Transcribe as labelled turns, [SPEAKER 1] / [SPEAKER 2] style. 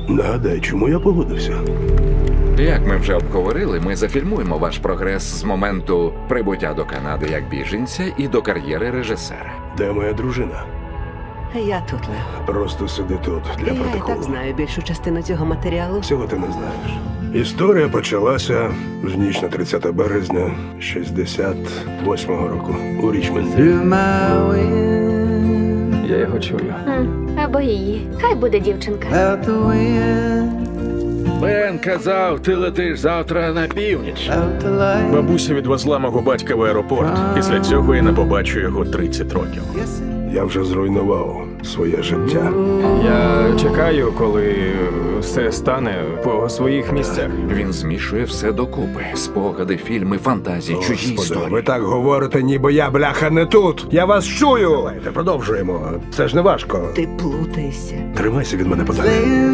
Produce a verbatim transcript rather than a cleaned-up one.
[SPEAKER 1] Нагадай, чому я погодився?
[SPEAKER 2] Як ми вже обговорили, ми зафільмуємо ваш прогрес з моменту прибуття до Канади як біженця і до кар'єри режисера.
[SPEAKER 1] Де моя дружина?
[SPEAKER 3] Я тут, Лев.
[SPEAKER 1] Просто сиди тут для
[SPEAKER 3] Я і
[SPEAKER 1] протоколу.
[SPEAKER 3] так знаю більшу частину цього матеріалу.
[SPEAKER 1] Всього ти не знаєш. Історія почалася в ніч на тридцяте березня шістдесят восьмого року у Річмонді.
[SPEAKER 4] Я його чую.
[SPEAKER 5] М, Або її. Хай буде дівчинка.
[SPEAKER 6] Бен казав, ти летиш завтра на північ. Бабуся відвезла мого батька в аеропорт. Після цього я не побачу його тридцять років.
[SPEAKER 1] Я вже зруйнував своє життя.
[SPEAKER 4] Я чекаю, коли все стане по своїх місцях.
[SPEAKER 2] Він змішує все докупи: спогади, фільми, фантазії, чужі
[SPEAKER 1] Господи, ви
[SPEAKER 2] історії.
[SPEAKER 1] так говорите, ніби я, бляха, не тут. Я вас чую. Давайте, продовжуємо. Це ж не важко.
[SPEAKER 3] Ти плутаєшся.
[SPEAKER 1] Тримайся від мене подалі.